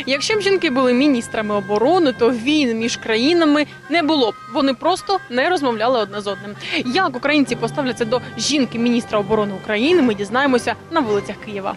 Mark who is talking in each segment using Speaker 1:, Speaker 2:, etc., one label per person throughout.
Speaker 1: Якщо б жінки були міністрами оборони, то війн між країнами не було б. Вони просто не розмовляли одне з одним. Як українці поставляться до жінки міністра оборони України, ми дізнаємося на вулицях Києва.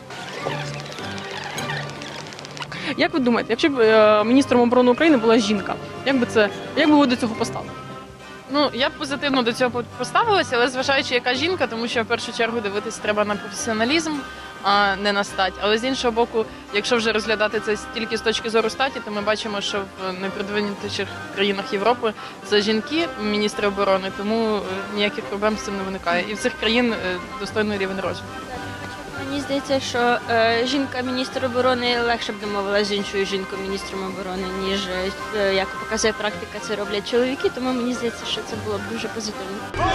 Speaker 1: Як ви думаєте, якщо б міністром оборони України була жінка, як би ви до цього поставили?
Speaker 2: Ну, я б позитивно до цього поставилася, але зважаючи, яка жінка, тому що в першу чергу дивитися треба на професіоналізм, а не на стать. Але з іншого боку, якщо вже розглядати це тільки з точки зору статі, то ми бачимо, що в найпродвинутіших країнах Європи це жінки, міністри оборони, тому ніяких проблем з цим не виникає. І в цих країн достойний рівень розвитку.
Speaker 3: Мені здається, що жінка-міністр оборони легше б домовилася з іншою жінкою-міністром оборони, ніж, як показує практика, це роблять чоловіки, тому мені здається, що це було б дуже позитивно.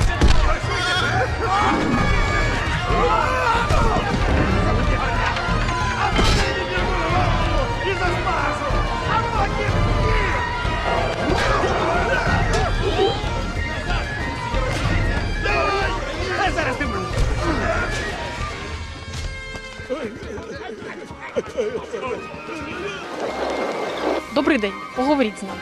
Speaker 1: Добрий день, поговоріть з нами.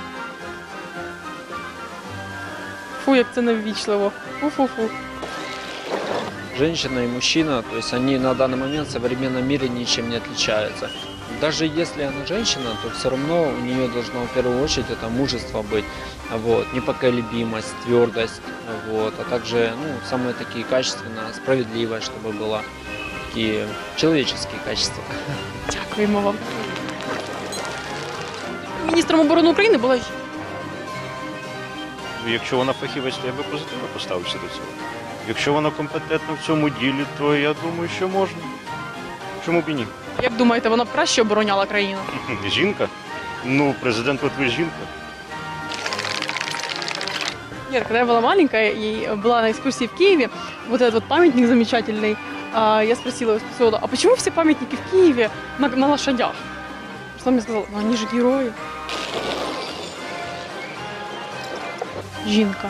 Speaker 1: Фу, як це неввічливо. Фу-фу-фу.
Speaker 4: Женщина и мужчина, то есть они на данный момент в современном мире ничем не отличаются. Даже если она женщина, то все равно у нее должно в первую очередь это мужество быть, вот, непоколебимость, твердость, вот, а также самые такие качественные, справедливость, чтобы была, такие человеческие качества.
Speaker 1: Дякуємо вам. Міністром оборони України була жінка.
Speaker 5: Якщо вона фахівець, то я би позитивно поставився до цього. Якщо вона компетентна в цьому ділі, то я думаю, що можна. Чому б і ні?
Speaker 1: Як думаєте, вона б краще обороняла країну?
Speaker 5: Жінка? Ну, президент Литви жінка.
Speaker 1: Нет, когда я была маленькая и была на экскурсии в Киеве, вот этот вот памятник замечательный, я спросила у экскурсовода, а почему все памятники в Киеве на лошадях? Что он мне сказал, ну они же герои. Жінка.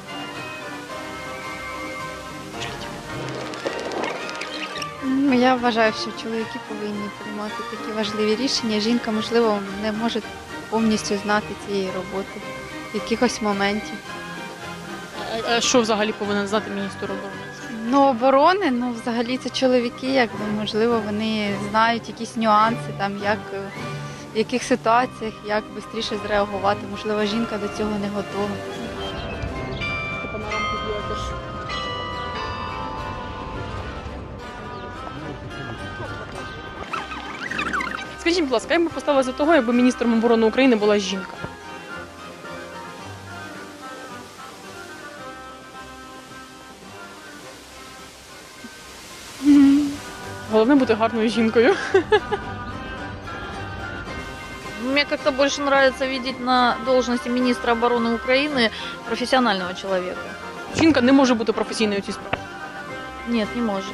Speaker 6: Я вважаю, що чоловіки повинні приймати такі важливі рішення. Жінка, можливо, не може повністю знати цієї роботи, якихось моментів.
Speaker 1: А що взагалі повинен знати міністр оборони?
Speaker 6: Оборони, взагалі це чоловіки, можливо, вони знають якісь нюанси, в яких ситуаціях, як швидше зреагувати. Можливо, жінка до цього не готова.
Speaker 1: Скажіть, будь ласка, як би поставилася до того, якби міністром оборони України була жінка? Головне бути гарною жінкою.
Speaker 7: Мне как-то больше нравится видеть на должности министра обороны Украины профессионального человека.
Speaker 1: Жінка не може бути професійною у цій справі.
Speaker 7: Нет, не может.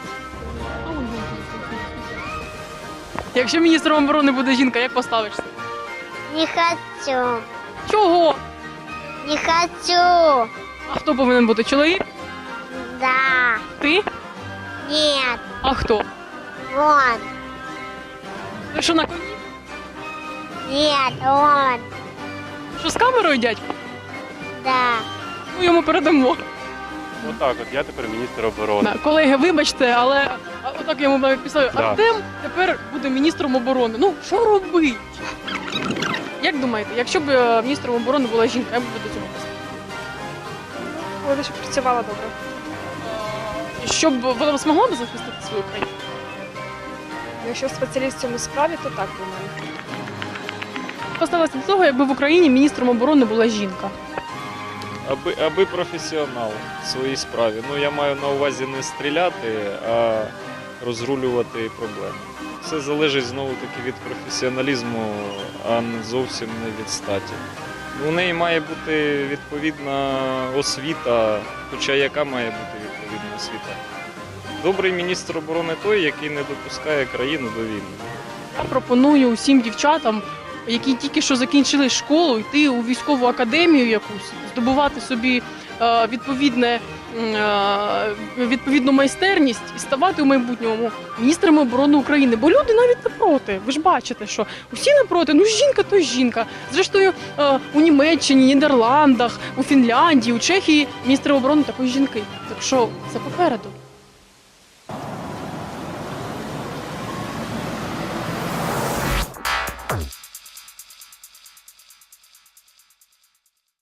Speaker 1: Якщо міністром оборони буде жінка, як поставишся?
Speaker 8: Не хочу.
Speaker 1: Чого?
Speaker 8: Не хочу.
Speaker 1: А хто повинен бути? Чоловік?
Speaker 8: Да.
Speaker 1: Ти?
Speaker 8: Нет.
Speaker 1: А хто?
Speaker 8: Он.
Speaker 1: Ви що, на коні?
Speaker 8: Нет, он.
Speaker 1: Що, з камерою, дядько?
Speaker 8: Да.
Speaker 1: Ми йому передамо.
Speaker 5: Отак, я тепер міністр оборони.
Speaker 1: Колеги, вибачте, але отак я йому навіть писав.
Speaker 5: Да.
Speaker 1: Артем тепер буде міністром оборони. Ну, що робить? Як думаєте, якщо б міністром оборони була жінка, як би ви до цього поставили?
Speaker 9: Вона щоб працювала добре.
Speaker 1: Щоб вона змогла б захистити свою країну?
Speaker 9: Якщо спеціаліст в цьому справі, то так думаю.
Speaker 1: Поставилася до того, якби в Україні міністром оборони була жінка.
Speaker 10: Аби професіонал в своїй справі. Я маю на увазі не стріляти, а розрулювати проблеми. Все залежить знову-таки від професіоналізму, а не зовсім не від статі. У неї має бути відповідна освіта, хоча яка має бути відповідна освіта? Добрий міністр оборони той, який не допускає країну до війни.
Speaker 1: Я пропоную усім дівчатам, які тільки що закінчили школу, йти у військову академію якусь, здобувати собі відповідну майстерність і ставати у майбутньому міністрами оборони України. Бо люди навіть не проти. Ви ж бачите, що усі не проти. Ну жінка то жінка. Зрештою, у Німеччині, Нідерландах, у Фінляндії, у Чехії міністри оборони також жінки. Так що це попереду.